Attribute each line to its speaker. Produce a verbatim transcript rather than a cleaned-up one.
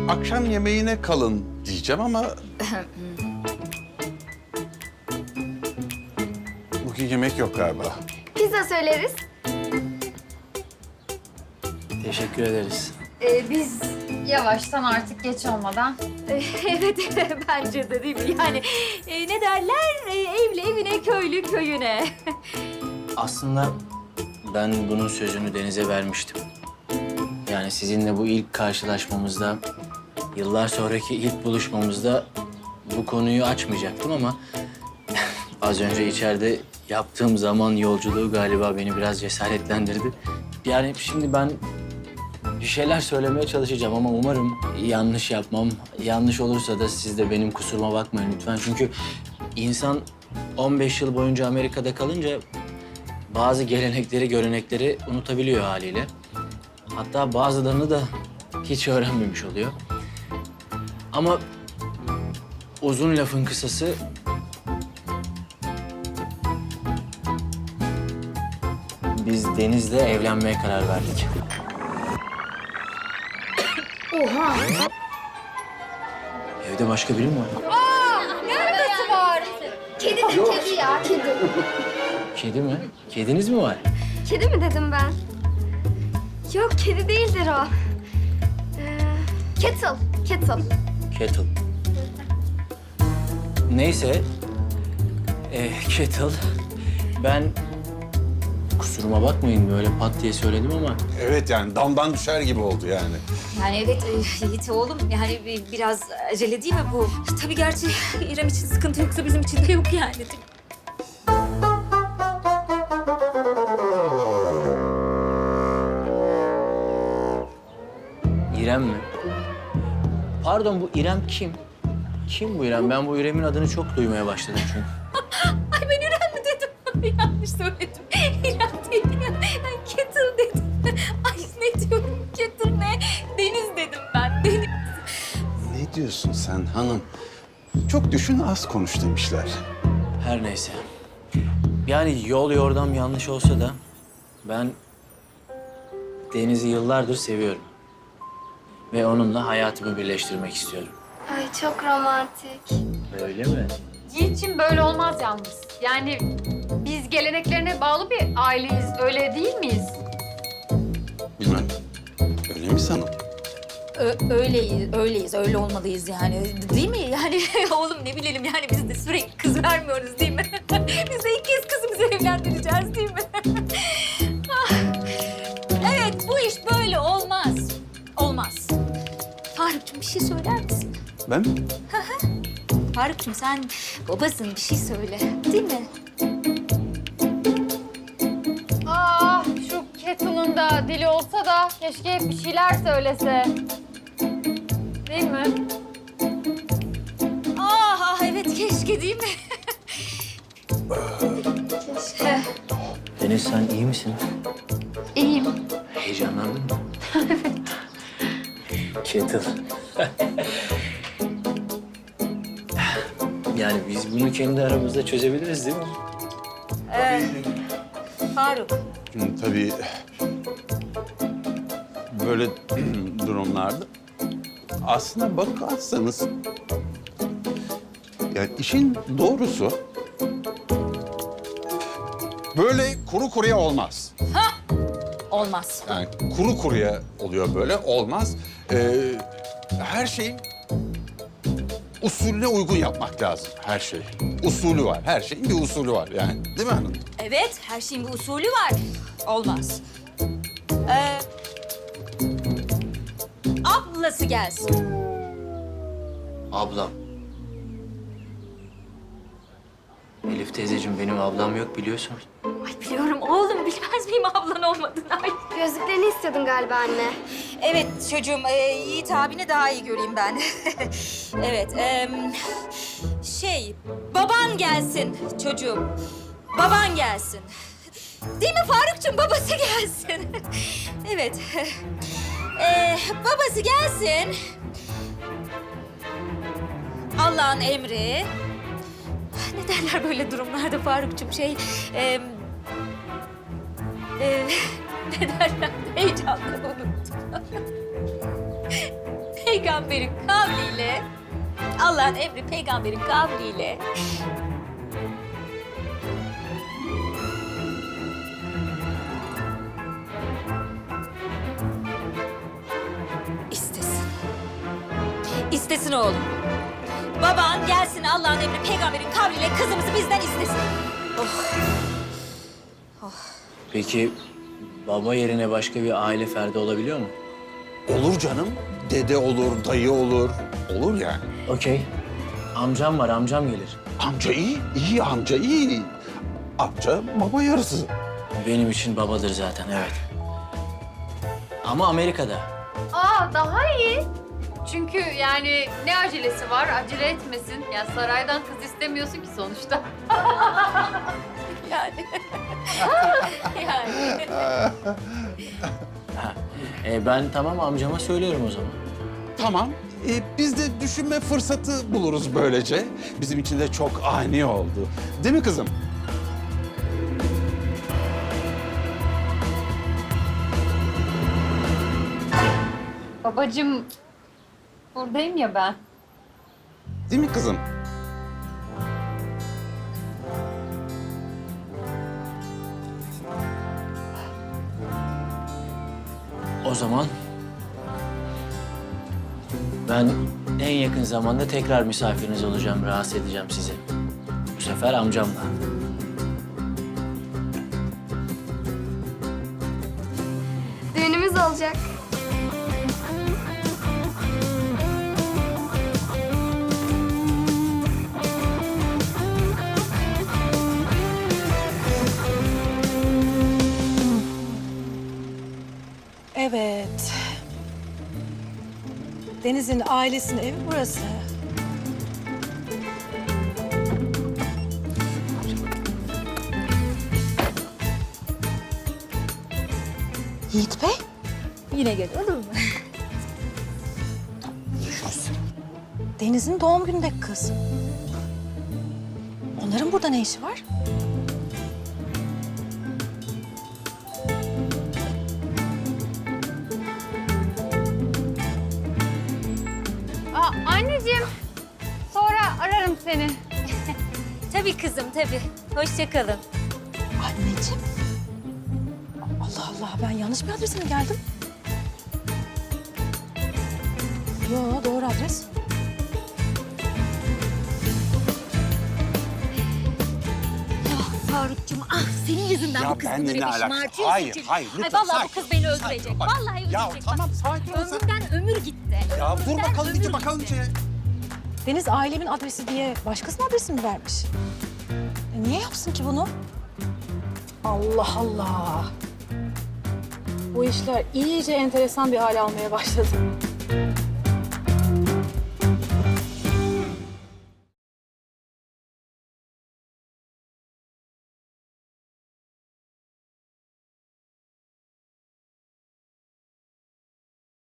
Speaker 1: akşam yemeğine kalın diyeceğim ama... Bugün yemek yok galiba.
Speaker 2: Pizza söyleriz.
Speaker 3: Teşekkür ederiz.
Speaker 4: Ee, biz yavaştan artık geç olmadan.
Speaker 2: Evet, bence de değil mi? Yani e, ne derler? E, evli evine, köylü köyüne.
Speaker 3: Aslında ben bunun sözünü Deniz'e vermiştim. Yani sizinle bu ilk karşılaşmamızda, yıllar sonraki ilk buluşmamızda bu konuyu açmayacaktım ama az önce içeride yaptığım zaman yolculuğu galiba beni biraz cesaretlendirdi. Yani şimdi ben bir şeyler söylemeye çalışacağım ama umarım yanlış yapmam. Yanlış olursa da siz de benim kusuruma bakmayın lütfen. Çünkü insan on beş yıl boyunca Amerika'da kalınca bazı gelenekleri, görenekleri unutabiliyor haliyle. Hatta bazılarını da hiç öğrenmemiş oluyor. Ama uzun lafın kısası... Biz Deniz'le evlenmeye karar verdik.
Speaker 4: Oha!
Speaker 3: Evde başka biri mi var?
Speaker 2: Neresi var? Kedi, kedi ya, kedi.
Speaker 3: Kedi mi? Kediniz mi var?
Speaker 2: Kedi mi dedim ben? Yok, kedi değildir o. Ee, kettle, kettle.
Speaker 3: Kettle. Neyse. Ee, kettle. Ben kusuruma bakmayın böyle pat diye söyledim ama
Speaker 1: Evet yani damdan düşer gibi oldu yani.
Speaker 5: Yani evet e, Yiğit oğlum yani bi- biraz acele değil mi bu? Tabii gerçi İrem için sıkıntı yoksa bizim için de yok yani.
Speaker 3: İrem mi? Pardon bu İrem kim? Kim bu İrem? Ben bu İrem'in adını çok duymaya başladım çünkü.
Speaker 5: Ay ben İrem mi dedim? Yanlış söyledim. İrem değil. Ben Kettle dedim. Ay ne diyorum Kettle ne? Deniz dedim ben. Deniz.
Speaker 1: Ne diyorsun sen hanım? Çok düşün az konuş demişler.
Speaker 3: Her neyse. Yani yol yordam yanlış olsa da ben Deniz'i yıllardır seviyorum. Ve onunla hayatımı birleştirmek istiyorum.
Speaker 2: Ay çok romantik.
Speaker 3: Öyle mi?
Speaker 4: Yiğit'ciğim böyle olmaz yalnız. Yani biz geleneklerine bağlı bir aileyiz, öyle değil miyiz?
Speaker 1: Bilmem. Öyle mi sanım?
Speaker 5: Ö- öyleyiz, öyleyiz, öyle olmalıyız yani. Değil mi? Yani oğlum ne bilelim yani biz de sürekli kız vermiyoruz değil mi? Biz de ilk kez kızımızı evlendireceğiz değil mi? Ah. Evet, bu iş böyle olmaz. Olmaz. Faruk'cum bir şey söyler misin?
Speaker 1: Ben mi?
Speaker 5: Faruk'cum sen babasın, bir şey söyle. Değil mi?
Speaker 4: Ah şu Kettle'ın da dili olsa da keşke hep bir şeyler söylese. Değil mi?
Speaker 5: Ah, ah evet keşke değil mi?
Speaker 3: Deniz sen iyi misin?
Speaker 4: İyiyim.
Speaker 3: Heyecanlandın mı? Evet. Kettle. Yani biz bunu kendi aramızda çözebiliriz değil mi?
Speaker 5: Ee, Faruk.
Speaker 1: Hı, tabii böyle durumlarda aslına bakarsanız yani işin doğrusu böyle kuru kuruya olmaz.
Speaker 5: Olmaz.
Speaker 1: Yani kuru kuruya oluyor böyle olmaz. Ee, her şeyin usulüne uygun yapmak lazım her şey. Usulü var. Her şeyin bir usulü var yani. Değil mi hanım?
Speaker 5: Evet, her şeyin bir usulü var. Olmaz. Ee, ablası gelsin.
Speaker 3: Ablam. Elif teyzeciğim benim ablam yok biliyorsun.
Speaker 5: Ay biliyorum oğlum, bilmez miyim ablan olmadığını? Ay.
Speaker 2: Gözlüklerini istiyordun galiba anne.
Speaker 5: Evet çocuğum, e, Yiğit abini daha iyi göreyim ben. Evet, e, şey, baban gelsin çocuğum. Baban gelsin. Değil mi Faruk'cum, babası gelsin. Evet. E, babası gelsin. Allah'ın emri. Ne derler böyle durumlarda Faruk'cum şey... E, e, ne derler? Heyecanla unuttum. peygamberin kavliyle, Allah'ın emri peygamberin kavliyle istesin. İstesin oğlum. Baban gelsin Allah'ın emri peygamberin kavliyle kızımızı bizden istesin. Oh.
Speaker 3: Peki baba yerine başka bir aile ferdi olabiliyor mu?
Speaker 1: Olur canım. Dede olur, dayı olur. Olur yani.
Speaker 3: Okey. Amcam var, amcam gelir.
Speaker 1: Amca iyi, iyi amca iyi. Amca baba yarısı.
Speaker 3: Benim için babadır zaten, evet. Ama Amerika'da.
Speaker 4: Aa daha iyi. Çünkü yani ne acelesi var? Acele etmesin. Ya saraydan kız istemiyorsun ki sonuçta.
Speaker 5: Yani. yani.
Speaker 3: Ha. E, ben tamam amcama söylüyorum o zaman.
Speaker 1: Tamam. Ee, biz de düşünme fırsatı buluruz böylece. Bizim için de çok ani oldu. Değil mi kızım?
Speaker 4: Babacığım buradayım ya ben.
Speaker 1: Değil mi kızım?
Speaker 3: O zaman ben en yakın zamanda tekrar misafiriniz olacağım, rahatsız edeceğim sizi. Bu sefer amcamla.
Speaker 2: Düğünümüz olacak.
Speaker 6: Evet. Deniz'in ailesinin evi burası. Yiğit Bey,
Speaker 5: Yine gel olur mu?
Speaker 6: Deniz'in doğum günündeki kız. Onların burada ne işi var?
Speaker 4: Aa anneciğim. Sonra ararım seni.
Speaker 5: Tabii kızım tabii. Hoşça kalın.
Speaker 6: Anneciğim. Allah Allah, ben yanlış bir adrese mi geldim? Yo, doğru adres.
Speaker 5: Farukcuğum ah senin yüzünden
Speaker 1: Ya
Speaker 5: bu kız
Speaker 1: benimle
Speaker 5: bunları
Speaker 1: ne
Speaker 5: bir
Speaker 1: alakası?
Speaker 5: şımartıyorsun.
Speaker 1: Hayır,
Speaker 5: çünkü.
Speaker 1: hayır, lütfen,
Speaker 5: Ay vallahi
Speaker 1: sakin
Speaker 5: bu kız
Speaker 1: ol,
Speaker 5: beni
Speaker 1: sakin
Speaker 5: öldürecek.
Speaker 1: ol, bak.
Speaker 5: Vallahi öldürecek.
Speaker 1: Ya
Speaker 5: bak.
Speaker 1: tamam, sakin ol sen.
Speaker 5: Ömrümden ömür gitti.
Speaker 1: Ya dur
Speaker 5: Ömrümden
Speaker 1: bakalım
Speaker 5: ömür
Speaker 1: iyice bakalım
Speaker 5: gitti.
Speaker 1: içeri.
Speaker 6: Deniz ailemin adresi diye başkasının adresini mi vermiş? E, niye yapsın ki bunu? Allah Allah. Bu işler iyice enteresan bir hal almaya başladı.